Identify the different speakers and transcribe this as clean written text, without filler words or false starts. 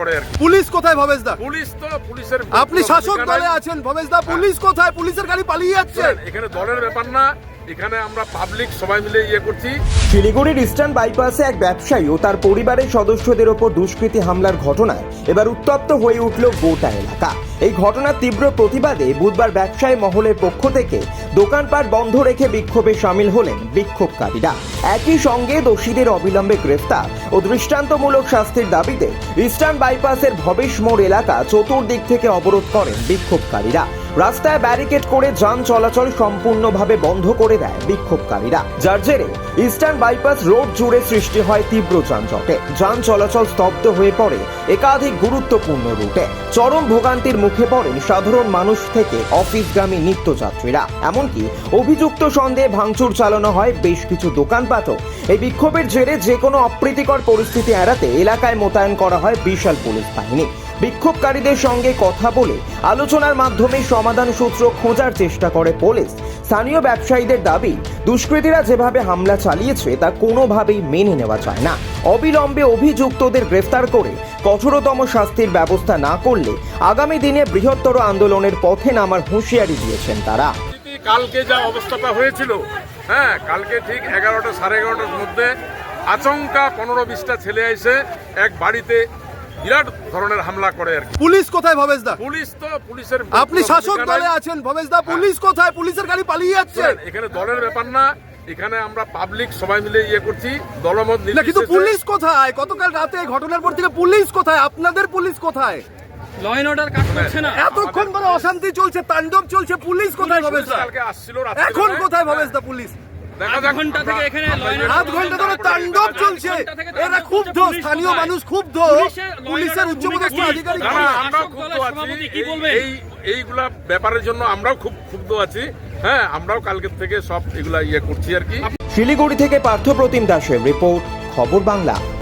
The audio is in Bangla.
Speaker 1: পুলিশ কোথায় ভবেশ দা?
Speaker 2: পুলিশ তো পুলিশের
Speaker 1: আপনি শাসক দলে আছেন ভবেশ দা, পুলিশ কোথায়? পুলিশের গাড়ি পালিয়ে যাচ্ছে।
Speaker 2: এখানে দলের ব্যাপার না, এখানে আমরা পাবলিক সবাই মিলে করছি।
Speaker 3: শিলিগুড়ির ইস্টার্ন বাইপাসে এক ব্যবসায়ী ও তার পরিবারের সদস্যদের ওপর দুষ্কৃতী হামলার ঘটনায় এবার উত্তপ্ত হয়ে উঠল গোটা এলাকা। এই ঘটনার তীব্র প্রতিবাদে বুধবার ব্যবসায়ী মহলের পক্ষ থেকে দোকানপাট বন্ধ রেখে বিক্ষোভে সামিল হলেন বিক্ষোভকারীরা। একই সঙ্গে দোষীদের অবিলম্বে গ্রেফতার ও দৃষ্টান্তমূলক শাস্তির দাবিতে ইস্টার্ন বাইপাসের ভবেশ মোড় এলাকা চতুর্দিক থেকে অবরোধ করেন বিক্ষোভকারীরা। রাস্তায় ব্যারিকেড করে যান চলাচল সম্পূর্ণভাবে বন্ধ করে দেয় বিক্ষোভকারীরা, যার জেরে ইস্টার্ন বাইপাস রোড জুড়ে সৃষ্টি হয় তীব্র যানজটে। যান চলাচল স্তব্ধ হয়ে পড়ে একাধিক গুরুত্বপূর্ণ রুটে। চরম ভোগান্তির মুখে পড়েন সাধারণ মানুষ থেকে অফিসগামী নিত্যযাত্রীরা। এমনকি অভিযুক্ত সন্দেহে ভাঙচুর চালানো হয় বেশ কিছু দোকানপাটও। এই বিক্ষোভের জেরে যে কোনো অপ্রীতিকর পরিস্থিতি এড়াতে এলাকায় মোতায়েন করা হয় বিশাল পুলিশ বাহিনী। বিক্ষোভকারীদের সঙ্গে কথা বলে আলোচনার মাধ্যমে সমাধান সূত্র খোঁজার চেষ্টা করে পুলিশ। স্থানীয় ব্যবসায়ীদের দাবি, দুষ্কৃতীরা যেভাবে হামলা চালিয়েছে তা কোনোভাবেই মেনে নেওয়া যায় না। অবিলম্বে অভিযুক্তদের গ্রেফতার করে কঠোরতম শাস্তির ব্যবস্থা না করলে আগামী দিনে বৃহত্তর আন্দোলনের পথে নামার হুঁশিয়ারি দিয়েছেন তারা।
Speaker 2: কালকে যা অবস্থাটা হয়েছিল, কালকে ঠিক 11টা সাড়ে 11টার মধ্যে আচমকা 15-20টা ছেলে এসে এক বাড়িতে বিরাট ধরনের হামলা করে আর কি।
Speaker 1: পুলিশ কোথায় ভবেশ দা?
Speaker 2: পুলিশ তো পুলিশের
Speaker 1: আপনি শাসক দলে আছেন ভবেশ দা, পুলিশ কোথায়? পুলিশের গাড়ি পালিয়ে যাচ্ছে।
Speaker 2: এখানে দলের ব্যাপার না, এখানে আমরা পাবলিক সবাই মিলে করছি দলমত
Speaker 1: না,
Speaker 2: নির্বিশেষে।
Speaker 1: কিন্তু পুলিশ কোথায়? গতকাল রাতে ঘটনার পর থেকে পুলিশ কোথায়? আপনাদের পুলিশ কোথায়?
Speaker 4: ল এন্ড অর্ডার কাজ করছে না।
Speaker 1: এতক্ষণ ধরে অশান্তি চলছে, তাণ্ডব চলছে, পুলিশ কোথায় ভবেশ দা?
Speaker 2: কালকে আসছিল রাত্রে,
Speaker 1: এখন কোথায় ভবেশ দা পুলিশ?
Speaker 2: দেখা
Speaker 4: আধ
Speaker 2: যাক
Speaker 4: ঘন্টা
Speaker 2: আমরা-
Speaker 4: থেকে এখানে ল এন্ড
Speaker 1: আধ ঘন্টা ধরে তাণ্ডব চলছে। এরা ক্ষুব্ধ, স্থানীয় মানুষ ক্ষুব্ধ, পুলিশের উচ্চপদস্থ আধিকারিক।
Speaker 2: না, না, আমরাও ক্ষুব্ধ আছি। এইগুলা ব্যাপারের জন্য আমরাও খুব ক্ষুব্ধ আছি। আমরাও কালকের থেকে সব এগুলা করছি আর কি।
Speaker 3: শিলিগুড়ি থেকে পার্থপ্রতিম দাসের রিপোর্ট, খবর বাংলা।